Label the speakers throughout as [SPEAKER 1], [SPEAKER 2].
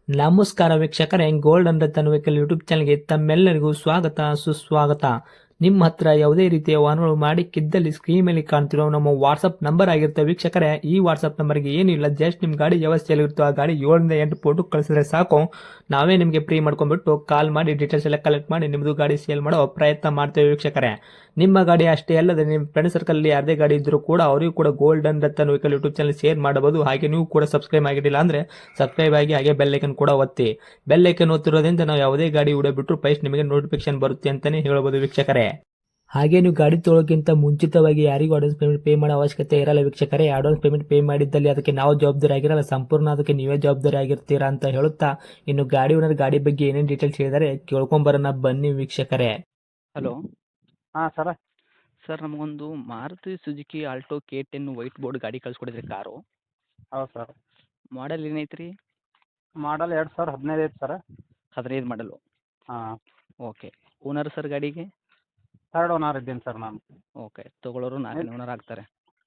[SPEAKER 1] ನಮಸ್ಕಾರ ವೀಕ್ಷಕರೇ, gold and Ratan vehicle YouTube ಚಾನಲ್ಗೆ ತಮ್ಮೆಲ್ಲರಿಗೂ ಸ್ವಾಗತ ಸುಸ್ವಾಗತ. ನಿಮ್ಮ ಹತ್ರ ಯಾವುದೇ ರೀತಿಯ ವಾಹನಗಳು ಮಾಡಿಕ್ಕಿದ್ದಲ್ಲಿ ಸ್ಕ್ರೀನ್ ಮೇಲೆ ಕಾಣ್ತಿರೋ ನಮ್ಮ ವಾಟ್ಸಪ್ ನಂಬರ್ ಆಗಿರುತ್ತೆ ವೀಕ್ಷಕರೇ. ಈ ವಾಟ್ಸಪ್ ನಂಬರ್ಗೆ ಏನಿಲ್ಲ, ಜಸ್ಟ್ ನಿಮ್ಮ ಗಾಡಿ ವ್ಯವಸ್ಥೆಯಲ್ಲಿರುತ್ತೋ ಆ ಗಾಡಿ 7 ರಿಂದ 8 ಫೋಟೋ ಕಳಿಸಿದ್ರೆ ಸಾಕು. ನಾವೇ ನಿಮಗೆ ಫ್ರೀ ಮಾಡ್ಕೊಂಡ್ಬಿಟ್ಟು ಕಾಲ್ ಮಾಡಿ ಡೀಟೇಲ್ಸ್ ಎಲ್ಲ ಕಲೆಕ್ಟ್ ಮಾಡಿ ನಿಮ್ಮದು ಗಾಡಿ ಸೇಲ್ ಮಾಡೋ ಪ್ರಯತ್ನ ಮಾಡ್ತೇವೆ ವೀಕ್ಷಕರೇ. ನಿಮ್ಮ ಗಾಡಿ ಅಷ್ಟೇ ಅಲ್ಲದೆ ನಿಮ್ಮ ಫ್ರೆಂಡ್ ಸರ್ಕಲ್ ಯಾರದೇ ಗಾಡಿ ಇದ್ರೂ ಕೂಡ ಅವರಿಗೂ ಕೂಡ gold and Ratan vehicle YouTube channel share ಮಾಡಬಹುದು. ಹಾಗೆ ನೀವು ಕೂಡ ಸಬ್ಸ್ಕ್ರೈಬ್ ಆಗಿರಲಿಲ್ಲ ಅಂದ್ರೆ ಸಬ್ಸ್ಕ್ರೈಬ್ ಆಗಿ ಹಾಗೆ ಬೆಲ್ ಐಕನ್ ಕೂಡ ಒತ್ತಿ. ಬೆಲ್ ಐಕನ್ ಒತ್ತಿರೋದ್ರಿಂದ ನಾವು ಯಾವುದೇ ಗಾಡಿ ವಿಡಿಯೋ ಬಿಟ್ಟರು ಫಸ್ಟ್ ನಿಮಗೆ ನೋಟಿಫಿಕೇಶನ್ ಬರುತ್ತೆ ಅಂತಾನೆ ಹೇಳಬಹುದು ವೀಕ್ಷಕರೇ. ಹಾಗೆ ನೀವು ಗಾಡಿ ತೊಳೋಕ್ಕಿಂತ ಮುಂಚಿತವಾಗಿ ಯಾರಿಗೂ ಅಡ್ವಾನ್ಸ್ ಪೇಮೆಂಟ್ ಪೇ ಮಾಡೋ ಅವಶ್ಯಕತೆ ಇರಲ್ಲ ವೀಕ್ಷಕರೇ. ಅಡ್ವಾನ್ಸ್ ಪೇಮೆಂಟ್ ಪೇ ಮಾಡಿದ್ದಲ್ಲಿ ಅದಕ್ಕೆ ನಾವು ಜವಾಬ್ದಾರಿ ಆಗಿರಲ್ಲ, ಸಂಪೂರ್ಣ ಅದಕ್ಕೆ ನೀವೇ ಜವಾಬ್ದಾರಿ ಆಗಿರ್ತೀರಾ ಅಂತ ಹೇಳುತ್ತಾ, ಇನ್ನು ಗಾಡಿ ಓನರ್ ಗಾಡಿ ಬಗ್ಗೆ ಏನೇನು ಡೀಟೇಲ್ಸ್ ಹೇಳಿದರೆ ಕೇಳ್ಕೊಂಬರೋಣ ಬನ್ನಿ ವೀಕ್ಷಕರೇ.
[SPEAKER 2] ಹಲೋ
[SPEAKER 3] ಹಾಂ ಸರ.
[SPEAKER 2] ಸರ್, ನಮಗೊಂದು Maruti Suzuki Alto K10 white board ಗಾಡಿ ಕಳಿಸ್ಕೊಡಿದ್ರಿ ಕಾರು.
[SPEAKER 3] ಹೌದು ಸರ್.
[SPEAKER 2] ಮಾಡಲ್ ಏನೈತ್ರಿ?
[SPEAKER 3] ಮಾಡಲ್ 2015 ಐತೆ ಸರ.
[SPEAKER 2] 15 ಮಾಡಲು.
[SPEAKER 3] ಹಾಂ.
[SPEAKER 2] ಓಕೆ. ಓನರ್ ಸರ್ ಗಾಡಿಗೆ?
[SPEAKER 3] ಥರ್ಡ್ ಓನರ್ ಇದ್ದೀನಿ ಸರ್ ನಾನು.
[SPEAKER 2] ಓಕೆ. ತೊಗೊಳೋರು 4ನೇ ಓನರ್ ಆಗ್ತಾರೆ.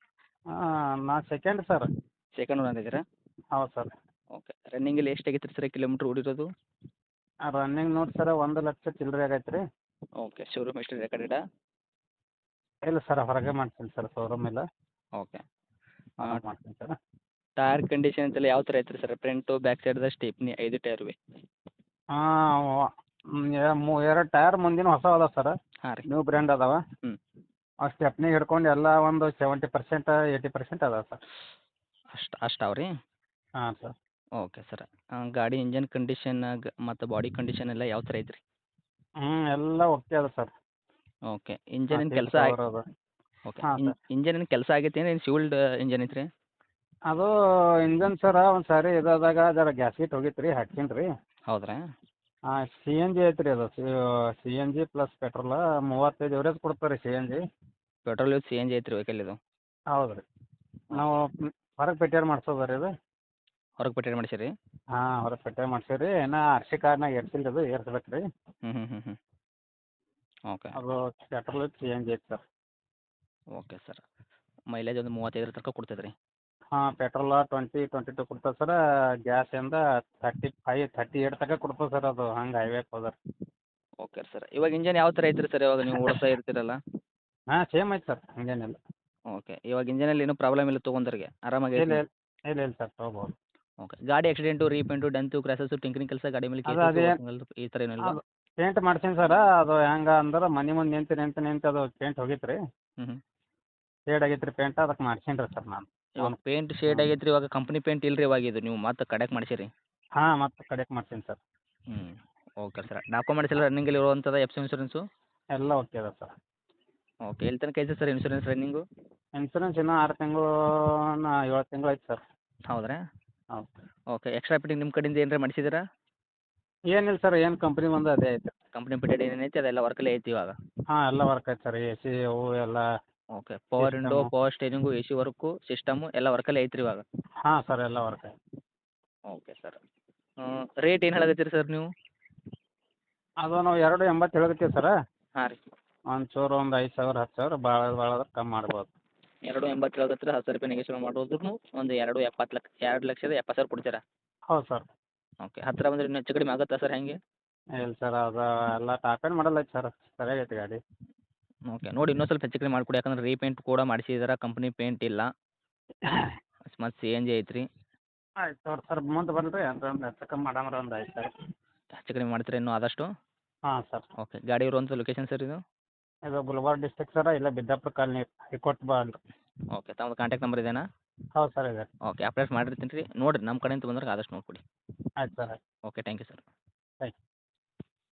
[SPEAKER 3] ನಾ ಸೆಕೆಂಡ್ ಸರ್.
[SPEAKER 2] ಸೆಕೆಂಡ್ ಓನರ್ ಇದ್ದೀರಾ?
[SPEAKER 3] ಹೌದು ಸರ್.
[SPEAKER 2] ಓಕೆ. ರನ್ನಿಂಗಲ್ಲಿ ಎಷ್ಟು ಆಗೈತೆ ರೀ ಸರ್ ಕಿಲೋಮೀಟ್ರ್ ಓಡಿರೋದು?
[SPEAKER 3] ರನ್ನಿಂಗ್ ನೋಡಿ ಸರ 1,00,000 ಚಿಲ್ಲರೆ ಆಗೈತೆ ರೀ.
[SPEAKER 2] ಓಕೆ. ಶೋರೂಮ್ ಎಷ್ಟು ರೆಕಾರ್ಡೆಡಾ?
[SPEAKER 3] ಇಲ್ಲ ಸರ್, ಹೊರಗೆ ಮಾಡ್ತೀನಿ ಸರ್, ಶೋರೂಮ್ ಇಲ್ಲ.
[SPEAKER 2] ಓಕೆ.
[SPEAKER 3] ಮಾಡ್ತೀನಿ ಸರ್.
[SPEAKER 2] ಟೈರ್ ಕಂಡೀಷನ್ ಅಂತೆಲ್ಲ ಯಾವ ಥರ ಐತ್ರಿ ಸರ್? ಫ್ರಂಟು ಬ್ಯಾಕ್ ಸೈಡ್ದ ಸ್ಟೆಪ್ನಿ 5 ಟೈರ್ ವೆ.
[SPEAKER 3] ಹಾಂ. 2 ಟೈರ್ ಮುಂದಿನ ಹೊಸ ಅದಾವೆ ಸರ್.
[SPEAKER 2] ಹಾಂ ರೀ.
[SPEAKER 3] ನ್ಯೂ ಬ್ರ್ಯಾಂಡ್ ಅದಾವೆ.
[SPEAKER 2] ಹ್ಞೂ.
[SPEAKER 3] ಆ ಸ್ಟೆಪ್ನಿ ಹಿಡ್ಕೊಂಡು ಎಲ್ಲ ಒಂದು 70% 80% ಅದಾವೆ ಸರ್.
[SPEAKER 2] ಅಷ್ಟಾವ ರೀ?
[SPEAKER 3] ಹಾಂ ಸರ್.
[SPEAKER 2] Okay sir. ಗಾಡಿ ಇಂಜನ್ ಕಂಡೀಷನ್ ಮತ್ತು ಬಾಡಿ ಕಂಡೀಷನ್ ಎಲ್ಲ ಯಾವ ಥರ ಐತ್ರಿ?
[SPEAKER 3] ಎಲ್ಲ ಓಕೆ ಅದ ಸರ್.
[SPEAKER 2] ಓಕೆ. ಇಂಜನ್ ಏನು ಕೆಲಸ ಓಕೆ.
[SPEAKER 3] ಹಾಂ ಸರ್.
[SPEAKER 2] ಇಂಜನ್ ಏನು ಕೆಲಸ ಆಗೈತೆ ಏನು ಶಿವಲ್ಡ್ ಇಂಜನ್ ಐತ್ರಿ?
[SPEAKER 3] ಅದು ಇಂಜನ್ ಸರ ಒಂದು ಸಾರಿ ಇದಾದಾಗ ಜರ ಗ್ಯಾಸ್ಕೆಟ್ ಹೋಗಿತ್ತು ರೀ, ಹಾಕ್ಸೀನಿ ರೀ.
[SPEAKER 2] ಹೌದ್ರಾ?
[SPEAKER 3] ಹಾಂ, CNG ಐತೆ ರೀ ಅದು. CNG ಪ್ಲಸ್ ಪೆಟ್ರೋಲ 35 ಎವರೇಜ್ ಕೊಡ್ತಾರೆ ರೀ CNG.
[SPEAKER 2] ಪೆಟ್ರೋಲ್ ವಿತ್ CNG ಐತ್ರಿ ವೆಹಿಕಲ್ ಇದು?
[SPEAKER 3] ಹೌದು ರೀ. ನಾವು ಹೊರಗೆ ಪೆಟ್ರೋಲ್ ಮಾಡ್ಸೋದು ರೀ ಇದು.
[SPEAKER 2] ಹೊರಗೆ ಪೆಟ್ರೋಲ್ ಮಾಡಿಸಿರಿ?
[SPEAKER 3] ಹಾಂ, ಹೊರಗೆ ಪೆಟ್ರೋಲ್ ಮಾಡ್ಸೀವಿ ರೀ. ಇನ್ನೂ RC ಕಾರ್ಡ್ನಾಗ ಏರ್ಸಿಲ್ಲ ಅದು, ಏರ್ಸ್ಬೇಕು ರೀ.
[SPEAKER 2] ಹ್ಞೂ. ಓಕೆ.
[SPEAKER 3] ಅದು ಪೆಟ್ರೋಲ್ ವಿತ್ CNG ಐತೆ ಸರ್.
[SPEAKER 2] Okay sir. ಮೈಲೇಜ್ ಒಂದು 35 ತನಕ ಕೊಡ್ತೈತೆ ರೀ?
[SPEAKER 3] ಹಾಂ, ಪೆಟ್ರೋಲ 22 ಕೊಡ್ತದೆ ಸರ್. ಗ್ಯಾಸಿಂದ 35 38 ತನಕ ಕೊಡ್ತದೆ ಸರ್ ಅದು, ಹಂಗೆ ಹೈವೇಗೆ ಹೋದ್ರೆ.
[SPEAKER 2] Okay sir. ಇವಾಗ ಇಂಜನ್ ಯಾವ ಥರ ಐತ್ರಿ ಸರ್ ಇವಾಗ ನೀವು ಓಡಿಸ್ತಾ ಇರ್ತೀರಲ್ಲ?
[SPEAKER 3] ಹಾಂ, ಸೇಮ್ ಐತೆ ಸರ್, ಹಂಗೇನಿಲ್ಲ.
[SPEAKER 2] ಓಕೆ. ಇವಾಗ ಇಂಜನಲ್ಲಿ ಏನೂ ಪ್ರಾಬ್ಲಮ್ ಇಲ್ಲ ತೊಗೊಂಡ್ರಿಗೆ ಆರಾಮಾಗಿ
[SPEAKER 3] ಇಲ್ಲ
[SPEAKER 2] ಐತಿ?
[SPEAKER 3] ಇಲ್ಲ ಇಲ್ಲ ಸರ್, ತೊಗೋಬೋದು.
[SPEAKER 2] ಓಕೆ. ಗಾಡಿ accident, repaint, dent, crashes, tinkering ಕೆಲಸ, ಗಾಡಿ ಮೇಲೆ
[SPEAKER 3] ಅದು
[SPEAKER 2] ಕೇಸು,
[SPEAKER 3] ಅದೇನು
[SPEAKER 2] ಈ ಥರ ಏನೂ ಇಲ್ವಾ?
[SPEAKER 3] ಅದು ಪೇಂಟ್ ಮಾಡ್ಸೀನಿ ಸರ. ಅದು ಹೆಂಗೆ ಅಂದ್ರೆ ಮನೆ ಮುಂದೆ ನಿಂತು ಅದು ಪೇಂಟ್ ಹೋಗಿತ್ತು ರೀ.
[SPEAKER 2] ಹ್ಞೂ.
[SPEAKER 3] ಶೇಡ್ ಆಗೈತೆ ರೀ ಪೇಂಟ್, ಅದಕ್ಕೆ ಮಾಡ್ಸೀನಿ ರೀ ಸರ್ ನಾನು.
[SPEAKER 2] ಇವಾಗ ಪೇಂಟ್ ಶೇಡ್ ಆಗೈತೆ ರೀ, ಇವಾಗ ಕಂಪ್ನಿ ಪೇಂಟ್ ಇಲ್ಲ ರೀ ಇವಾಗ ಇದು ನೀವು ಮತ್ತೆ ಕಡೆಗೆ ಮಾಡಿಸಿರಿ?
[SPEAKER 3] ಹಾಂ, ಮತ್ತೆ ಕಡೆಗೆ ಮಾಡ್ಸೀನಿ ಸರ್.
[SPEAKER 2] ಹ್ಞೂ. Okay sir. ಡಾಕ್ಯುಮೆಂಟ್ಸ್ ಎಲ್ಲ ರನ್ನಿಂಗಲ್ಲಿ ಇರುವಂಥದ್ದು, ಎಫ್ ಸಿ ಇನ್ಶೂರೆನ್ಸು?
[SPEAKER 3] ಎಲ್ಲ ಓಕೆ ಅದ ಸರ್.
[SPEAKER 2] ಓಕೆ. ಎಲ್ಲಿ ತನಕ ಐತೆ ಸರ್ ಇನ್ಶೂರೆನ್ಸ್ ರನ್ನಿಂಗು?
[SPEAKER 3] ಇನ್ಸೂರೆನ್ಸ್ ಇನ್ನೂ 6 ತಿಂಗಳು 7 ತಿಂಗಳು ಐತೆ ಸರ್.
[SPEAKER 2] ಹೌದ್ರಾ?
[SPEAKER 3] ಹೌದು.
[SPEAKER 2] ಓಕೆ. ಎಕ್ಸ್ಟ್ರಾ ಫಿಟ್ಟಿಂಗ್ ನಿಮ್ಮ ಕಡೆಯಿಂದ ಏನಾರ ಮಾಡಿಸಿದ್ದೀರಾ?
[SPEAKER 3] ಏನಿಲ್ಲ ಸರ್, ಏನು ಕಂಪ್ನಿ ಬಂದು ಅದೇ ಐತೆ.
[SPEAKER 2] ಕಂಪ್ನಿ ಫಿಟೆಡ್ ಏನೇನೈತೆ ಅದೆಲ್ಲ ವರ್ಕಲ್ಲೇ ಐತಿ ಇವಾಗ?
[SPEAKER 3] ಹಾಂ, ಎಲ್ಲ ವರ್ಕ್ ಐತೆ ಸರ್. AC ಅವು ಎಲ್ಲ.
[SPEAKER 2] Okay. Power window,
[SPEAKER 3] system.
[SPEAKER 2] Power steering, AC work, system ಎಲ್ಲ ವರ್ಕಲ್ಲೇ ಐತ್ರಿ ಇವಾಗ?
[SPEAKER 3] ಹಾಂ ಸರ್, ಎಲ್ಲ ವರ್ಕ್ ಐತೆ.
[SPEAKER 2] Okay sir. ರೇಟ್ ಏನು ಹೇಳಕತ್ತೀರಿ ಸರ್ ನೀವು?
[SPEAKER 3] ಅದು ನಾವು 2.80 ಹೇಳಕತ್ತೀವಿ ಸರ.
[SPEAKER 2] ಹಾಂ ರೀ.
[SPEAKER 3] ಒಂಚೂರು ಒಂದು 5,000 10,000 ಭಾಳ ಆದ್ರೆ ಕಮ್ಮಿ ಮಾಡ್ಬೋದು.
[SPEAKER 2] 2.80 ಹೇಳಕತ್ತೀರಿ, 10,000 ರೂಪಾಯಿ ನೆಗೆಶ್ವಲ್ ಮಾಡಿದ್ರು ಒಂದು 2,70,000 ಕೊಡ್ತೀರಾ?
[SPEAKER 3] ಹೌದು ಸರ್.
[SPEAKER 2] ಓಕೆ. ಹತ್ತಿರ ಬಂದರೆ ಇನ್ನೂ ಹೆಚ್ಚು ಕಡಿಮೆ ಆಗುತ್ತಾ ಸರ್ ಹೆಂಗೆ?
[SPEAKER 3] ಇಲ್ಲ ಸರ್, ಅದು ಎಲ್ಲ ಟಾಪ್ ಎಂಡ್ ಮಾಡಲ್ ಐತೆ ಸರ್, ಸರಿಯಾಗೈತೆ ಗಾಡಿ.
[SPEAKER 2] ಓಕೆ. ನೋಡಿ ಇನ್ನೂ ಸ್ವಲ್ಪ ಹೆಚ್ಚು ಕಡಿಮೆ ಮಾಡಿಕೊಡಿ, ಯಾಕಂದ್ರೆ ರೀಪೇಂಟ್ ಕೂಡ ಮಾಡಿಸಿದಾರೆ, ಕಂಪ್ನಿ ಪೇಂಟ್ ಇಲ್ಲ, ಮತ್ತು CNG ಐತ್ರಿ.
[SPEAKER 3] ಆಯ್ತು ತಗೋರಿ ಸರ್, ಮುಂದೆ ಬನ್ನಿರಿ ಒಂದು ಹೆಚ್ಚು ಕಮ್ಮಿ ಮಾಡಮ್ರಿ, ಒಂದು 5,000.
[SPEAKER 2] ಹೆಚ್ಚು ಕಡಿಮೆ ಮಾಡ್ತೀರಾ ಇನ್ನೂ ಆದಷ್ಟು?
[SPEAKER 3] ಹಾಂ ಸರ್.
[SPEAKER 2] ಓಕೆ. ಗಾಡಿ ಇರುವಂಥ ಲೊಕೇಶನ್ ಸರ್ ಇದು?
[SPEAKER 3] ಇದು ಗುಲ್ಬರ್ಗ ಡಿಸ್ಟ್ರಿಕ್ಟ್ ಸರ, ಇಲ್ಲೇ ಬಿದ್ದಾಪುರ ಕಾಲನಿ, ಹೈಕೋರ್ಟ್ ಬಾಲ್.
[SPEAKER 2] ಓಕೆ. ತಮ್ಮದು ಕಾಂಟ್ಯಾಕ್ಟ್ ನಂಬರ್ ಇದೇನಾ?
[SPEAKER 3] ಹೌದು ಸರ್, ಇದೆ.
[SPEAKER 2] ಓಕೆ. ಅಪ್ಡೇಟ್ ಮಾಡಿರ್ತೀನಿ ರೀ, ನೋಡಿರಿ ನಮ್ಮ ಕಡೆಯಿಂದ ಬಂದ್ರೆ ಆದಷ್ಟು ನೋಡಿಕೊಡಿ.
[SPEAKER 3] ಆಯ್ತು ಸರ್, ಆಯ್ತು.
[SPEAKER 2] Okay. Thank you sir.
[SPEAKER 3] Thank you.